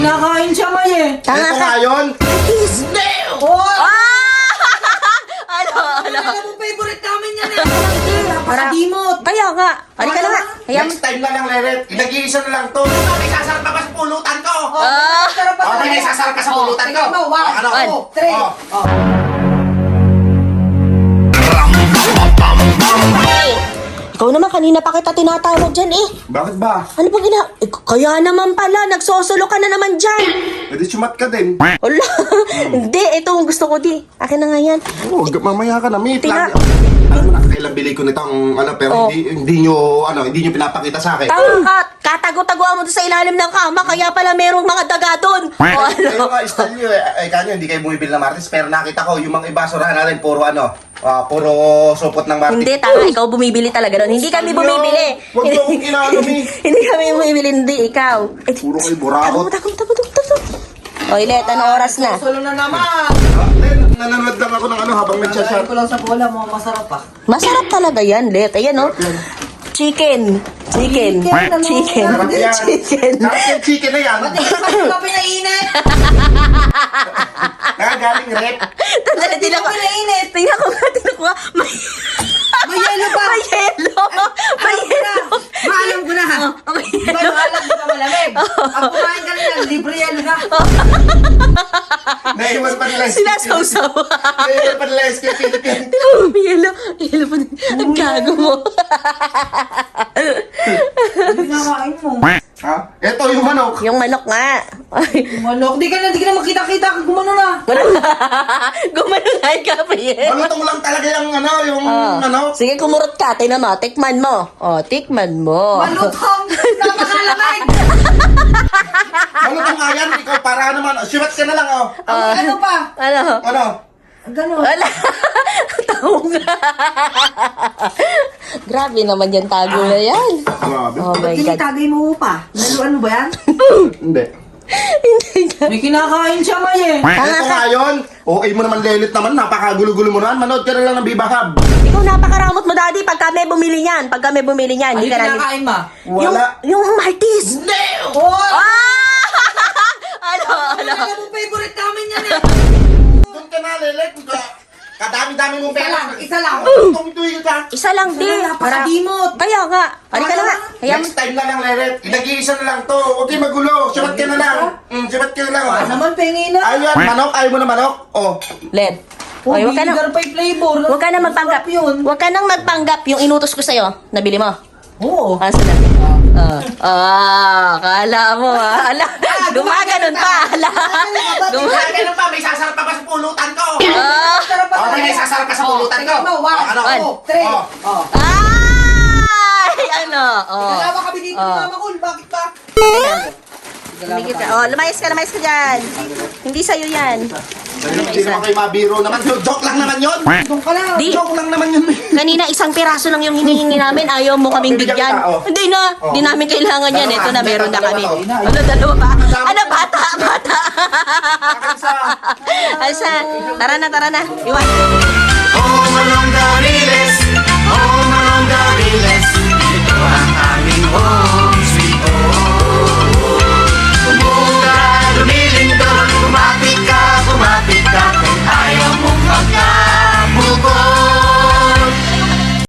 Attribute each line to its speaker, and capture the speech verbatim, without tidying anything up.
Speaker 1: kinakain siya, May eh.
Speaker 2: Tanga
Speaker 3: Ito
Speaker 2: ka.
Speaker 3: nga yun.
Speaker 1: Hindi! Oh!
Speaker 2: Ah! Ano, ano?
Speaker 1: Alam mo, favorite namin yan eh. Napakadimot.
Speaker 2: Kaya nga. Halika na nga. Hayaan mo.
Speaker 3: Next time na lang, Leret. Nag-iisa na lang to. May sasarap pa ba sa pulutan ko?
Speaker 2: Ah!
Speaker 3: Okay, may sasarap ka sa pulutan ko.
Speaker 1: Tingnan mo, one,
Speaker 3: Ano?
Speaker 2: One.
Speaker 1: two, three.
Speaker 3: Oh.
Speaker 1: Oh.
Speaker 2: Ikaw naman, kanina pa kita tinatawag dyan eh.
Speaker 3: Bakit ba?
Speaker 2: Ano ba gina... Eh, kaya naman pala, nagsosolo ka na naman dyan.
Speaker 3: Pwede sumat ka din.
Speaker 2: Wala. Hindi, ito ang gusto ko di. Akin na nga yan.
Speaker 3: Oo, oh, mamaya ka na. May
Speaker 2: Tina-
Speaker 3: plan. Alam mo na, kailan bili ko nitong ano, pero
Speaker 2: Oh.
Speaker 3: hindi, hindi nyo, ano, hindi nyo pinapakita sa akin.
Speaker 2: Tama ka. Katago-taguan mo doon sa ilalim ng kama, kaya pala merong mga daga doon. O ano?
Speaker 3: Kayo nga, style nyo eh. Ay, kanyo, hindi kayo bumibili ng Martis, pero nakita ko, yung mga iba, surahan natin, puro ano, ah, puro supot ng Martis.
Speaker 2: Hindi, tama. Ikaw bumibili talaga doon. Hindi kami bumibili.
Speaker 3: Huwag niyo akong inaano, Mi.
Speaker 2: Hindi kami bumibili, hindi ikaw. Eh,
Speaker 3: Puro kayo
Speaker 2: Tago,
Speaker 3: burakot.
Speaker 2: tago, tago, tago, tago. O, Ilet, anong oras na?
Speaker 1: Solo na naman.
Speaker 3: Ah, Len, nanonood lang ako ng ano habang
Speaker 1: Kakain
Speaker 3: nagchat-chat.
Speaker 1: ko lang sa bola mo, masarap pa.
Speaker 2: Masarap talaga yan, Let. Ayan, oh. Chicken. Chicken.
Speaker 1: Chicken, ano?
Speaker 2: Chicken.
Speaker 3: Sarap yan.
Speaker 2: Chicken.
Speaker 3: Sarap yung chicken na yan.
Speaker 1: Pati ka pati ka pinainit.
Speaker 3: Nakagaling rep.
Speaker 2: Tandali,
Speaker 1: Hindi
Speaker 2: tingnan
Speaker 1: ka
Speaker 2: ko.
Speaker 1: pinainit.
Speaker 2: Tingnan ko nga, tingnan ko nga. May...
Speaker 1: May yelo pa.
Speaker 2: May yelo. May
Speaker 1: Alam ko na.
Speaker 2: yelo.
Speaker 1: Maalam ko na ha.
Speaker 2: Oh, may
Speaker 1: Di ba
Speaker 2: yelo.
Speaker 1: nung alam ko na malamig? Ang kumain ka na, libre yelo na.
Speaker 3: Naiwan pa nila yung
Speaker 2: Sinasawsaw.
Speaker 3: Naiwan pa nila yung skin Philippine.
Speaker 2: Tingnan mo, may yelo. May yelo pa din. Ang gago mo.
Speaker 1: Pinakain mo.
Speaker 3: Ha? Ito yung manok.
Speaker 2: Yung manok nga. Ay,
Speaker 1: Manok, di ka na, di ka na makita-kita. Gumano na.
Speaker 2: wala. Gumano na ka pa yan.
Speaker 3: Malutong lang talaga yung ano, yung
Speaker 2: Oh.
Speaker 3: ano.
Speaker 2: Sige, kumurot ka. Tingnan mo. Tikman mo. Oh, tikman mo.
Speaker 1: Malutong. Napakalamig.
Speaker 3: Malutong nga yan. Ikaw para naman. Siwat ka na lang, oh.
Speaker 1: Ang ano pa?
Speaker 2: Ano?
Speaker 3: Ano?
Speaker 1: Ganon.
Speaker 2: Wala. Taong nga. Grabe naman yan tago na yan.
Speaker 3: Grabe.
Speaker 2: Oh my God.
Speaker 1: Tinitagay mo pa. Lalo ano ba yan?
Speaker 3: Hindi.
Speaker 2: Hindi ka.
Speaker 1: May kinakain siya, May eh.
Speaker 2: Tanga
Speaker 3: Ito
Speaker 2: ka.
Speaker 3: nga yun. Okay mo naman lelit naman. Napakagulo-gulo mo naman. Manood ka na lang ng Bibahab.
Speaker 2: Ikaw napakaramot mo, Daddy. Pag kami bumili niyan. Pag kami bumili niyan.
Speaker 1: Ano
Speaker 2: Hindi ka namin.
Speaker 1: kinakain ma?
Speaker 2: Yung,
Speaker 3: Wala.
Speaker 2: yung Maltese.
Speaker 1: Oh!
Speaker 2: Ah! Ano? Ano?
Speaker 1: Alam mo, favorite namin yan eh.
Speaker 3: Doon ka na, lelit. Kadami-dami mong
Speaker 1: Isa
Speaker 3: pera.
Speaker 1: lang, isa lang.
Speaker 3: Tumituyo ka.
Speaker 2: Isa lang, di.
Speaker 1: Napakadimot.
Speaker 2: Kaya nga. Halika na nga. Hayaan mo.
Speaker 3: Next time na lang, Leret. Nag-iisa na lang to. Huwag kayo magulo. Sibat ka na lang. Mm, sibat ka na lang.
Speaker 1: Ah,
Speaker 3: Oh.
Speaker 1: naman, pengi na.
Speaker 3: Ayun, manok. Ayaw mo na manok? Oh.
Speaker 2: Led.
Speaker 1: Oh,
Speaker 2: Oy, wag ka na.
Speaker 1: vinegar pa yung flavor.
Speaker 2: Huwag ka na magpanggap.
Speaker 1: Masarap yun.
Speaker 2: Huwag ka nang magpanggap. Yung inutos ko sa'yo, nabili mo.
Speaker 1: Oo.
Speaker 2: Asa na? Ah, ah, kala mo ah. Ala, gumaganon pa. Ala. Gumaganon.
Speaker 3: Ganun pa, may sasarap pa ba sa pulutan ko?
Speaker 2: Ah.
Speaker 1: Masarap pa.
Speaker 3: Okay, may sasarap pa sa pulutan ko.
Speaker 1: Tingnan mo, one,
Speaker 3: Oh, ano?
Speaker 1: two, three.
Speaker 3: Oh.
Speaker 1: Oh.
Speaker 2: Ay, ano? Oh.
Speaker 1: Kalawa kami dito
Speaker 2: Oh.
Speaker 1: ni Mama Kul. Bakit pa?
Speaker 2: Tumigil ka. Oh, lumayas ka, lumayas ka dyan. Hindi sa'yo yan.
Speaker 3: Hindi naman kayo mabiro naman. Joke lang naman yun.
Speaker 1: Doon ka lang.
Speaker 2: Di.
Speaker 3: Joke lang naman yun.
Speaker 2: Kanina isang piraso lang yung hinihingi namin. Ayaw mo kaming
Speaker 3: bibigyan
Speaker 2: bigyan.
Speaker 3: kita, oh.
Speaker 2: Hindi na.
Speaker 3: Oh.
Speaker 2: Hindi namin kailangan yan.
Speaker 3: Dalawa.
Speaker 2: Ito na, meron na
Speaker 3: Dalawa
Speaker 2: kami.
Speaker 3: to.
Speaker 2: Ano, dalawa pa? Ano, bata, bata.
Speaker 3: Isa.
Speaker 2: Alsa, tara na, tara na. Iwan.
Speaker 3: Oh, Manong Daniles.